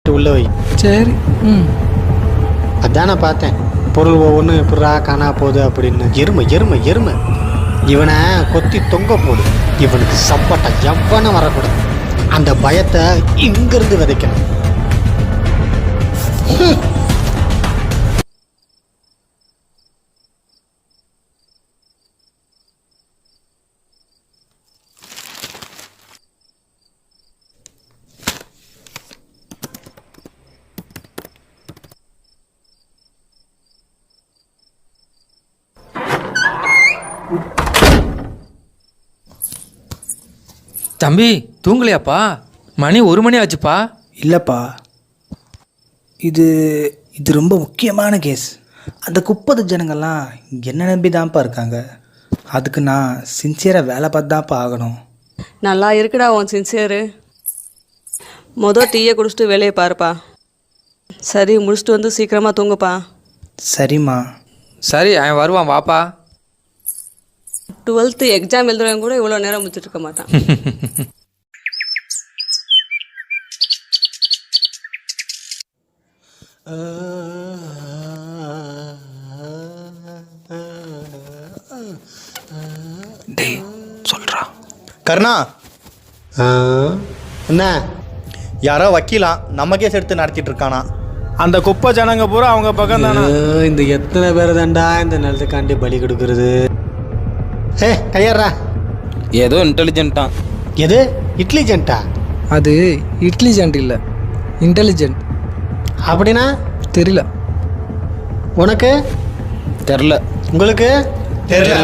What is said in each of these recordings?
கட்டிட்டு உள்ள வை. சரி. அதான் நான் பார்த்தேன் பொருள் ஒவ்வொன்றும் எப்படா காணா போகுது அப்படின்னு. எருமை எருமை எருமை. இவனை கொத்தி தொங்க போடு. இவனுக்கு சப்பட்டை எவ்வளோ வரக்கூடாது. அந்த பயத்தை இங்கிருந்து விதைக்கணும். தம்பி தூங்கலையாப்பா? மணி 1 மணி ஆச்சுப்பா. இல்லைப்பா, இது ரொம்ப முக்கியமான கேஸ். அந்த 30 ஜனங்கள்லாம் என்ன நம்பி தான்ப்பா இருக்காங்க. அதுக்கு நான் சின்சியராக வேலை பார்த்து தான்ப்பா ஆகணும். நல்லா இருக்குடா உன் சின்சியரு. டீயை குடிச்சிட்டு வேலையை பாருப்பா. சரி, முடிச்சுட்டு வந்து சீக்கிரமாக தூங்குப்பா. சரிம்மா. சரி, அவன் வருவான், வாப்பா. 12th எக்ஸாம் எழுதுறவங்க கூட இவ்வளோ நேரம் முடிச்சுட்டு இருக்க மாட்டான். டேய் சொல்கிறா. கருணா, என்ன? யாரோ வக்கீலா நம்ம கேஸ் எடுத்து நடத்திட்டு இருக்கானா? அந்த குப்பை ஜனங்க பூரா அவங்க பக்கம் தானே. இந்த எத்தனை பேர் தாண்டா இந்த நிலத்துக்காண்டி பலி கொடுக்கறது? கையாடுறா. ஏதோ இன்டெலிஜென்ட்டான். எது இன்டெலிஜென்ட்டா? அது இன்டெலிஜென்ட் இல்லை, இன்டெலிஜென்ட். அப்படின்னா தெரியல. உனக்கு தெரில. உங்களுக்கு தெரியல.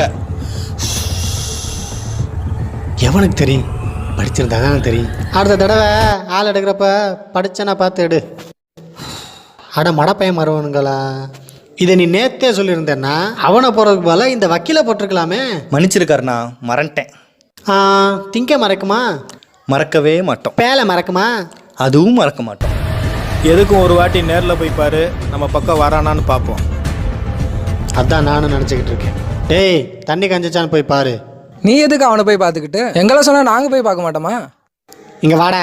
எவனுக்கு தெரியும்? படிச்சிருந்தா தான் தெரியும். அடுத்த தடவை ஆள் எடுக்கிறப்ப படிச்சனா பார்த்து எடு. அட மடப்பையன் மருவனுங்களா, இதை நீ நேத்தே சொல்லியிருந்தேன்னா அவனை போகிறதுக்கு போல இந்த வக்கீலை போட்டிருக்கலாமே. மன்னிச்சிருக்காருண்ணா, மறந்துட்டேன். திங்க மறக்குமா? மறக்கவே மாட்டோம். பேலை மறக்குமா? அதுவும் மறக்க மாட்டோம். எதுக்கும் ஒரு வாட்டி நேரில் போய் பாரு, நம்ம பக்கம் வரானான்னு பார்ப்போம். அதான் நானும் நினச்சிக்கிட்டு இருக்கேன். டேய், தண்ணி கஞ்சிச்சான்னு போய் பாரு. நீ எதுக்கு அவனை போய் பார்த்துக்கிட்டு? எங்களை சொன்னால் நாங்கள் போய் பார்க்க மாட்டோமா? இங்கே வாடா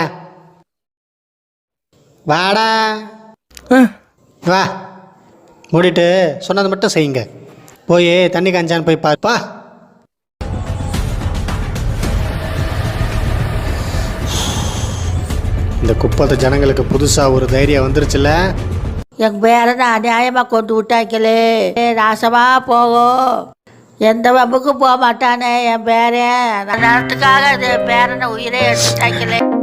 வாடா வா. மூடிட்டு சொன்னது மட்டும் செய்யுங்க. போய் தண்ணி காஞ்சான்னு போய் பாருப்பா. இந்த 30 ஜனங்களுக்கு புதுசாக ஒரு தைரியம் வந்துருச்சுல்ல. என் பேரனை அநியாயமாக கொண்டு விட்டாங்களே, நாசமா போகும். எந்த வம்புக்கும் போக மாட்டானே என் பேரன். அந்த நேரத்துக்காக என் பேரனை உயிரை எடுத்துட்டாங்களே.